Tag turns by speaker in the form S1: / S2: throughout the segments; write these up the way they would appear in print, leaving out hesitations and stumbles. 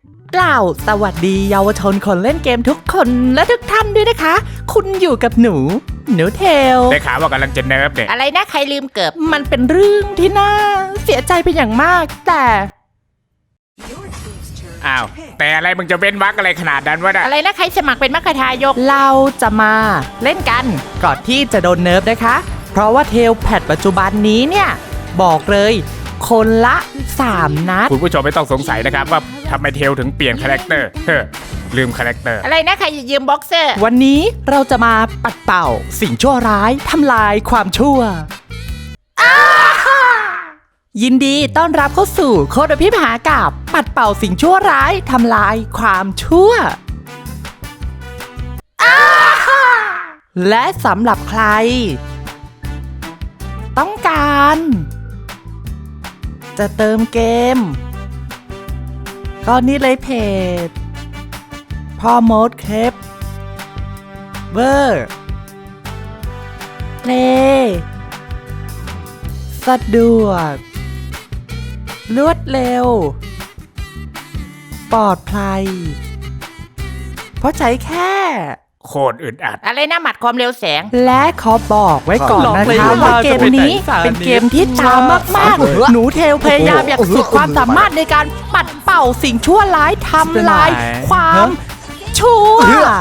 S1: กล่าวสวัสดีเยาวชนคนเล่นเกมทุกคนและทุกท่านด้วยนะคะ คุณอยู่กับหนูเทล
S2: ได้ข่าวว่ากำลังจะเนิร์ฟเนี่ย
S3: อะไรนะใครลืมเกิบ
S1: มันเป็นเรื่องที่น่าเสียใจเป็นอย่างมากแต่
S2: อ้าวแต่อะไรมึงจะเว้นวรรคอะไรขนาดนั้นวะน่ะ
S3: อะไรนะใครสมัครเป็นมรรคทายก
S1: เราจะมาเล่นกันก่อนที่จะโดนเนิร์ฟนะคะ เพราะว่าเทลแพทปัจจุบันนี้เนี่ยบอกเลยคนละ3 นัด
S2: คุณผู้ชมไม่ต้องสงสัยนะครับว่าทำไมเทลถึงเปลี่ยนคาแรคเตอร์ลืมคาแรคเตอร์
S3: อะไรนะใครจะยืมบ็อกเซอร์
S1: วันนี้เราจะมาปัดเป่าสิ่งชั่วร้ายทำลายความชั่วยินดีต้อนรับเข้าสู่โคดพิมหากับปัดเป่าสิ่งชั่วร้ายทำลายความชั่วและสำหรับใคร ต้องการจะเติมเกม ก็นี่เลยเพจพ่อมดเคปเวอร์เพลย์สะดวกรวดเร็ว ปลอดภัย เพราะใช้แค่
S2: โคตรอึดอัด
S3: อะไรนะหมัดความเร็วแสง
S1: และขอบอกไว้ก่อนนะคะว่าเกมนี้เป็นเกมที่ช้ามากๆ หนูเทลพยายามอย่างสุดความสามารถในการปัดเป่าสิ่งชั่วร้ายทำลายความชั่ว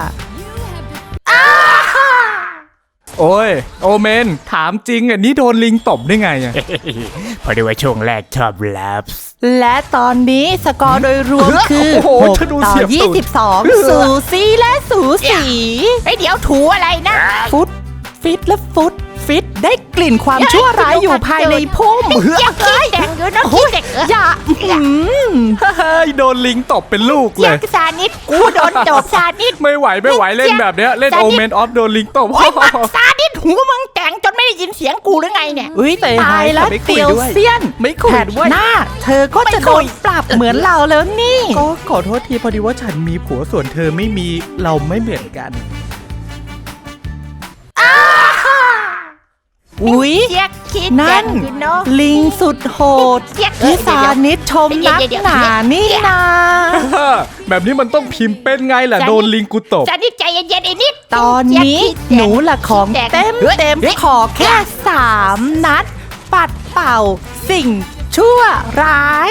S4: โอ้ยโอเมนถามจริงอ่ะนี่โดนลิงตบได้ไงอ่ะ
S2: พอดีว่าช่วงแรกชอบแรปส์
S1: และตอนนี้สกอร์โดยรวมคือ
S4: โอ้โห
S1: 6
S4: ฉันดู
S1: ต่อ
S4: เสียบตูด
S1: 22 สูสีและสูสี
S3: เฮ้ยเดี๋ยวถูอะไรนะ
S1: ฟุตฟิตและฟุตฟิตได้กลิ่นความชั่วร้ายอยู่ภายในพุ่ม
S3: อย่าขี้แต่งอยู่นะขี้แต่ง
S1: อย่า
S4: เฮ้ยโดนลิงตบเป็นลูกเล
S3: เยี่ย
S4: ย
S3: ซานิดกูโดนตบซานิด
S4: ไม่ไหวเล่นแบบเนี้ยเล่น
S3: จะ
S4: โอ
S3: นิด
S4: เมนออฟโดนลิงตบ
S3: โอ้ยบักซานิดหูมึงแต่งจนไม่ได้ยินเสียงกูหรือไงเนี่ย
S1: อุ้ยตายแล้วเตียวเซียน
S4: ไม่คุย
S1: แผด
S4: ด้วย
S1: หน้า เธอก็จะโดนปรับเหมือนเราแล้วนี่
S4: ก็ขอโทษทีพอดีว่าฉันมีผัวส่วนเธอไม่มีเราไม่เหมือนกัน
S1: อุ้ย
S3: เจี๊ยกขี้แต่
S1: นั่
S3: ง
S1: น
S3: อยู่เนาะ
S1: ลิงสุดโหด
S3: เจี๊ยก
S1: ที่สานิดชมนักหนานี่นา
S4: แบบนี้มันต้องพิมพ์เป็นไงล่ะโดนลิงกูตบ
S3: ซานิดใจเย็นๆไอ้นิด
S1: ตอนนี้หนูละของเต็มขอแค่3 นัด ปัดเป่าสิ่งชั่วร้าย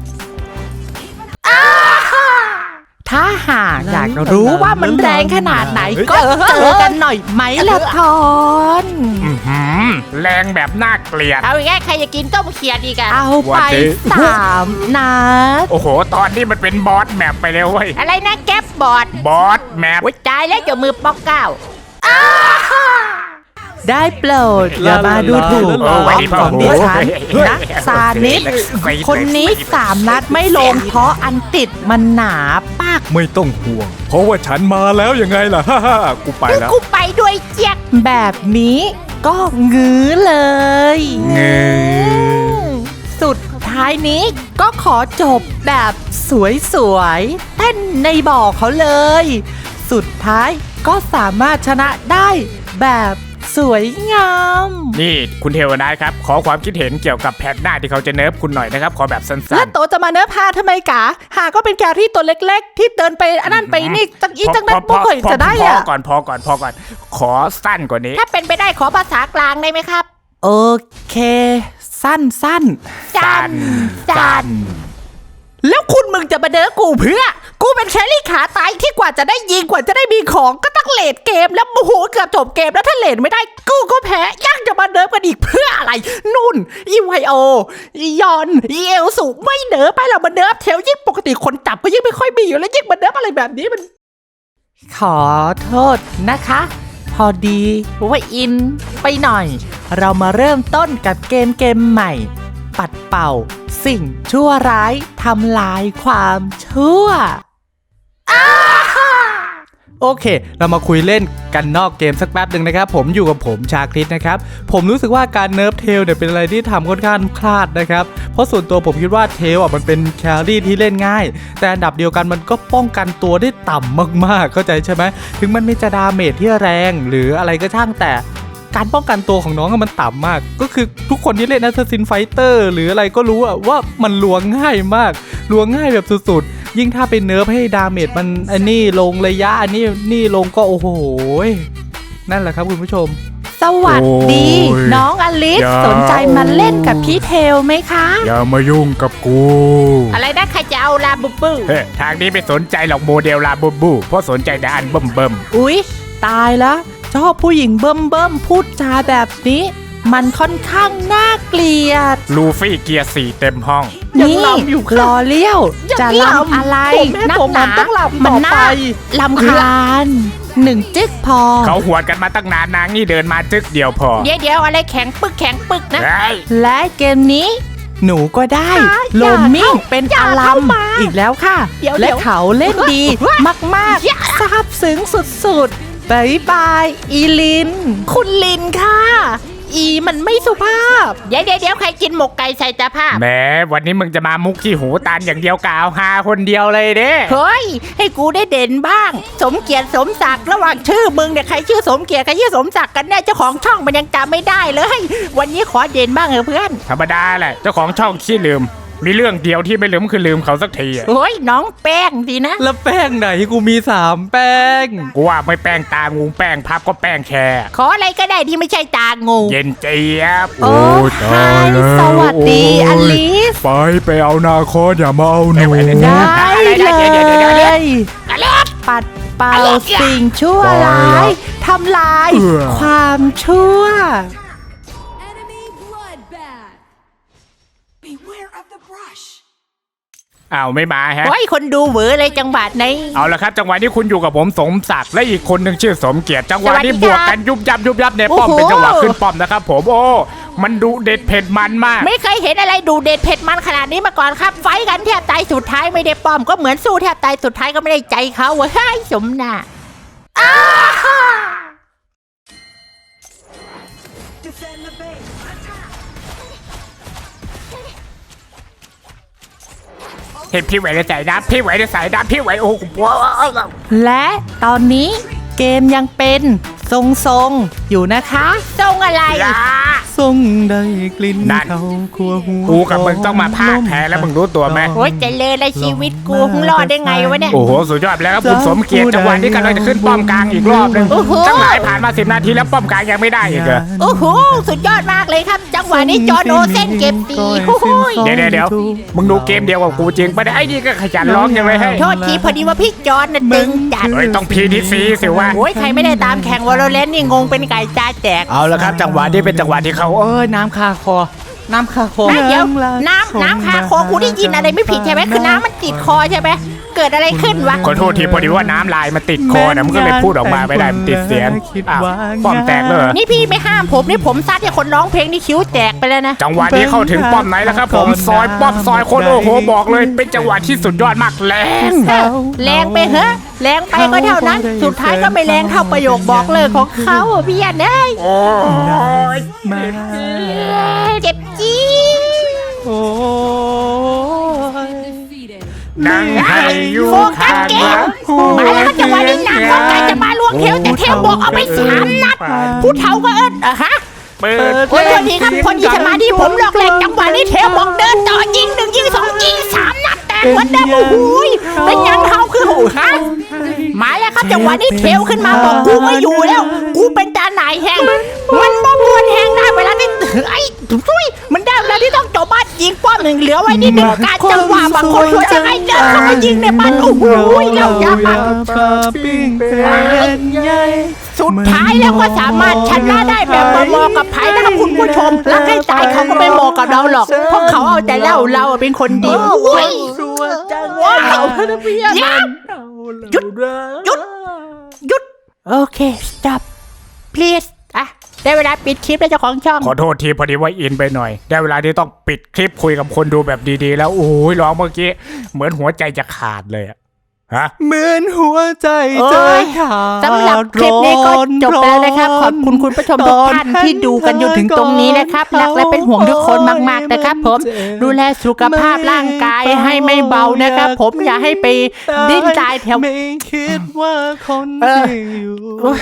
S1: ถ้าหากอยากรู้ว่ามันแรงขนาดไหนก็เจอกันหน่อยไหมละทอน
S2: แรงแบบน่าเกลียด
S3: เอาอีกแล้วใครจะกินต้มเขียดอีกอะ
S1: เอาไป3 นัด
S2: โอ้โหตอนนี้มันเป็นบอสแมปไปแล้วเว้ย
S3: อะไรนะแก๊บบอร์ด
S2: บอสแมป
S3: โอ้ยตายแล้วเจ้ามือป๊อกเก้า
S1: ได้โปรดอย่ามาดูถูกของดิฉันนะซานิดคนนี้3 นัดไม่ลงเพราะอันติดมันหนาปาก
S4: ไม่ต้องห่วง เพราะว่าฉันมาแล้วยังไงล่ะ กูไปแล้ว
S3: กูไปด้วยเจี๊ยก
S1: แบบนี้ก็งื้อเลย สุดท้ายนี้ก็ขอจบแบบสวยๆเต้นในบ่อเขาเลย สุดท้ายก็สามารถชนะได้แบบสวยงาม
S2: นี่คุณเทวนาครับขอความคิดเห็นเกี่ยวกับแพทหน้าที่เขาจะเนิร์ฟคุณหน่อยนะครับขอแบบสั้
S1: แล้ว
S2: น
S1: โตจะมาเนื้อพาทำไมกะหาก็เป็นแกรี่ตัวเล็กๆ ที่เดินไปอันนั้นไปนี่จังอีจังนั้นพวกเคยจะได้
S2: พอ
S1: อะ
S2: ก่อนขอสั้นกว่านี้
S3: ถ้าเป็นไปได้ขอภาษากลางได้ไหมครับ
S1: โอเค สั้น
S2: สั้น
S3: สั้น
S1: แล้วคุณมึงจะมาเด้อกูเพื่อ กูเป็นแครี่ขาตายที่กว่าจะได้ยิงกว่าจะได้มีของก็ต้องเลดเกมแล้วโอ้โหเกือบจบเกมแล้วถ้าเลดไม่ได้กูก็แพ้ยังจะมาเดิมกันอีกเพื่ออะไรนุ่นอีไวโออียอนอีเอลสูไม่เดิมไปหรอกมาเดิมเทลยิ่งปกติคนจับก็ยิ่งไม่ค่อยมีอยู่แล้วยิ่งมาเดิมอะไรแบบนี้มัน ขอโทษนะคะ พอดีว่าอินไปหน่อย เรามาเริ่มต้นกับเกมใหม่ ปัดเป่าสิ่งชั่วร้ายทำลายความชั่ว
S4: โอเค เรามาคุยเล่นกันนอกเกมสักแป๊บหนึ่งนะครับผมอยู่กับผมชาคริสนะครับผมรู้สึกว่าการเนิร์ฟเทลเนี่ยเป็นอะไรที่ทำค่อนข้างพลาดนะครับเพราะส่วนตัวผมคิดว่าเทลอ่ะมันเป็นแครี่ที่เล่นง่าย แต่อันดับเดียวกันมันก็ป้องกันตัวได้ต่ำมากๆเข้าใจใช่ไหมถึงมันไม่จะดาเมจที่แรงหรืออะไรก็ช่างแต่การป้องกันตัวของน้องมันต่ำมากก็คือทุกคนที่เล่น Assassin's Fighter หรืออะไรก็รู้อะว่ามันลวงง่ายมากลวงง่ายแบบสุดๆยิ่งถ้าเป็นเนิร์ฟให้ดาเมจมันอันนี้ลงระยะอันนี้ลงก็โอ้โหนั่นแหละครับคุณผู้ชม
S1: สวัสดี
S2: โอ้ย
S1: น้องอลิส
S2: อย่า
S1: สนใจมาเล่นกับพี่เทลไหมคะ
S2: อย่ามายุ่งกับกู
S3: อะไรนะใครจะเอาลาบูบู
S2: เฮ้ยทางนี้ไม่สนใจหรอกโมเดลลาบูบูเพราะสนใจแต่อันเบิ่ม
S1: อุ๊ย ตายแล้วชอบผู้หญิงเบิ่มพูดจาแบบนี้ มันค่อนข้างน่าเกลียด
S2: ลูฟี่เกียร์4เต็มห้อง
S1: นี่รอเลี้ยว จะลำอะไร
S3: ผมแม่
S1: นัก
S3: ผม
S1: หนา
S3: ต้องลำ
S1: มัน
S3: ต่อ
S1: น่า
S3: ไป
S1: ลำคาญ1 จึ๊กพอ
S2: เขาหวดกันมาตั้งนานนางนี่เดินมาจึกเดียวพอ
S3: เดี๋ยวอะไรแข็งปึกนะ
S2: เฮ้ย
S1: และเกมนี้หนูก็ได้ โลมมิ่งเป็นอารัมอีกแล้วค่ะ
S3: เดี๋ยว
S1: และเขาเล่นดีมากๆซาบซึ้งสุดๆบายบายอีลิน คุณลินค่ะ อีมันไม่สุภาพ
S3: เดี๋ยวใครกินหมกไก่ใส่ตาผ้า
S2: แหมวันนี้มึงจะมามุกที่หูตานอย่างเดียวกาวหาคนเดียวเลยเด้
S3: เฮ้ยให้กูได้เด่นบ้าง สมเกียรติสมศักดิ์ระหว่างชื่อมึงเนี่ยใครชื่อสมเกียรติใครชื่อสมศักดิ์กันแน่เจ้าของช่องมันยังจำไม่ได้เลย วันนี้ขอเด่นบ้างเพื่อน
S2: ธรรมดาแหละเจ้าของช่องขี้ลืม มีเรื่องเดียวที่ไม่ลืมคือลืมเขาสักทีอะ
S3: เฮ้ยน้องแป้งดีนะ
S4: แล้วแป้งไหนกูมี3แป้ง
S2: กูว่าไม่แป้งตางูแป้งพับก็แป้งแค่
S3: ขออะไรก็ได้ที่ไม่ใช่ตางู
S2: เย็นเจี๊ยบ
S1: โอ้ไฮสวัสดีอลิส
S2: ไปเอานาคอสอย่ามาเอาหนู
S1: ได้เลย
S3: อะไร
S1: ปัดเป่า
S3: อะไรอ่ะ
S1: สิ่งชั่วร้ายทำลาย ความชั่ว
S5: Enemy bloodbath. Beware of the brush.
S2: อ้าวไม่มาฮะ
S3: เฮ้ยคนดูเหวอเลยจังหวัดไหน
S2: เอาละครับจังหวะนี้คุณอยู่กับผมสมศักดิ์และอีกคนหนึ่งชื่อสมเกียรติจังหวะนี้
S3: สวัสดี
S2: บ
S3: ครับ
S2: วกกันยุบยับในป้อม
S3: โอ้โห
S2: เป็นจังหวะขึ้นป้อมนะครับผมโอ้มันดุเด็ดเผ็ดมันมาก
S3: ไม่เคยเห็นอะไรดูเด็ดเผ็ดมันขนาดนี้มาก่อนครับ ไฟท์กันแทบตายสุดท้ายไม่ได้ป้อมก็เหมือนสู้แทบตายสุดท้ายก็ไม่ได้ใจเขาเว้ยสมน่ะอ้าฮ่า
S2: เห็นพี่ไหวจะใส่น้ำพี่ไหวจะใส่น้ำพี่ไหวโอ้โห
S1: และตอนนี้เกมยังเป็นทรงๆอยู่นะคะ
S3: ทรงอะไร
S2: อย่า
S4: ทรงได้กลิ่น
S2: นั่น
S4: เขาขัวหัว
S2: กูกับมึงต้องมาพากแพ้แล้วมึงรู้ตัวไหม
S3: โอ้ยเจะเลยละชีวิตกูมึงรอดได้ไงวะเนี่ย
S2: โอ้โหสุดยอดแล้วครับคุณสมเกียรติจังหวะนี้กำลังจะขึ้นป้อมกลางอีกรอบหนึง
S3: โอ้โห
S2: จังหลายผ่านมา10 นาทีแล้วป้อมกลางยังไม่ได้อีกเหรอ
S3: โอ้โหสุดยอดมากเลยครับ จังหวะนี้จอโนเส้นเก็บตีโอ้โหย
S2: เดี๋ยวมึงดูเกมเดียวกับกูจริงปะเนี่ยไอ้นี่ก็ขยันร้องยังไงให้
S3: โทษทีพอดีว่าพี่จอนน่ะตึงจัด
S2: เฮ้ยต้องพีดีซีสิวะ
S3: โอ้ยใครไม่ได้ตามแข่งวอลเลนนี่งงเป็นไก่ตาแตก
S2: เอาละครับจังหวะนี้เป็นจังหวะที่เขา
S4: เอ้ยน้ำคาคอ น้ำคาคอ
S3: ไม่เดี๋ยวน้ำคาคอกูได้ยินอะไรไม่ผิดใช่ไหมคือน้ำมันติดคอใช่ไหมเกิดอะไรขึ้นวะ
S2: ขอโทษทีพอดีว่าน้ำลายมันติดคอนะมันก็เลยพูดออกมาไม่ได้มันติดเสียงอ้าวป้อมแตกเลยเหรอ
S3: นี่พี่ไม่ห้ามผมนี่ผมซัดให้คนร้องเพลงนี่คิ้วแตกไปแล้วนะ
S2: จังหวะนี้เข้าถึงป้อมไหนแล้วครับผมซอยป้อมซอยคนโอ้โหบอกเลยเป็นจังหวะที่สุดยอดมากแรง
S3: แรงไปเหอะแรงไปก็เท่านั้น สุดท้ายก็ไม่แรงเท่าประโยคบอกเลิกของเขาอะพี่ยันเอ้ย
S2: โอ้ย
S4: มา
S3: เจ็บจี๊ด
S4: โอ้ย
S5: Defeated.
S2: นั่งให้อยู่
S3: โฟกั
S2: ข้า
S3: ส
S2: ง
S3: เก
S2: หลั
S3: ม
S2: ง
S3: มาแล้วจังหวะนี้หนักต้องการจะมาลวงเทวแต่เทวบอกเอาไป3 นัดผู้เฒ่าก็เอิ้นฮะ
S2: เปิด
S3: โอ้ยโทษทีครับพอดีสมาธิผมหลอกแหลกจังหวะนี้เทวบอกเดินต่อยิง1ยิง2ยิง3 นัดแตกเหมือนเดิมโอ้โหยเป็นยังเขาคือหูฮะมาแล้วครับจังหวะนี้เทวขึ้นมาบอกกูไม่อยู่แล้ว กูเป็นตาหนายแห้งมันบ่มวนแห้งได้เวลาที่ไอ้ทุยมันได้เวลาที่ต้องจบบ้านยิงป้อมหนึ่งเหลือไว้นิดหนึ่งการจังหวะบางคนช่วยจะให้เดินเข้ามายิงในบ้านโอ้โหเราอย่ามา
S4: ปลาปิ้งเป็นใหญ่
S3: สุดท้ายแล้วก็สามารถชนะได้แบบเหมาะกับไผ่นะครับคุณผู้ชมรักให้ตายเขาก็ไม่เหมาะกับเราหรอกเพราะเขาเอาแต่เล่าเราเป็นคนดีโอ้ยว้าวหยุดหยุดโอเค stop please อ่ะได้เวลาปิดคลิปแล้วเจ้าของช่อง
S2: ขอโทษทีพอดีว่าอินไปหน่อยได้เวลาที่ต้องปิดคลิปคุยกับคนดูแบบดีๆ แล้วโอ้ยร้องเมื่อกี้เหมือนหัวใจจะขาดเลยอะฮะ
S4: เหมือนหัวใจจะขาด
S3: สำหรับคลิปนี้ก็จบไปแล้วนะครับ ขอบคุณคุณผู้ชมทุกท่านที่ดูกันจนถึงตรงนี้นะครับรักและเป็นห่วงทุกคนมากๆนะครับผมดูแลสุขภาพร่างกายให้ไม่เบานะครับผมอย่าให้ไปดิ้นตายแถว
S4: ไม่คิดว่าคน
S3: เออ
S4: ที่อยู่ใ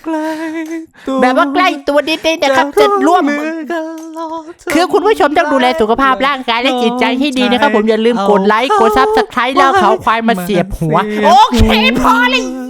S1: แบบว่าใกล้ตัวนิดๆนะครับจะร่วมคือคุณผู้ชมต้องดูแลสุขภาพร่างกายและจิตใจที่ดีนะครับผมอย่าลืมกดไลค์กดซับสไครต์แล้วเขาควายมาเสียบหัวโอเคพอเลย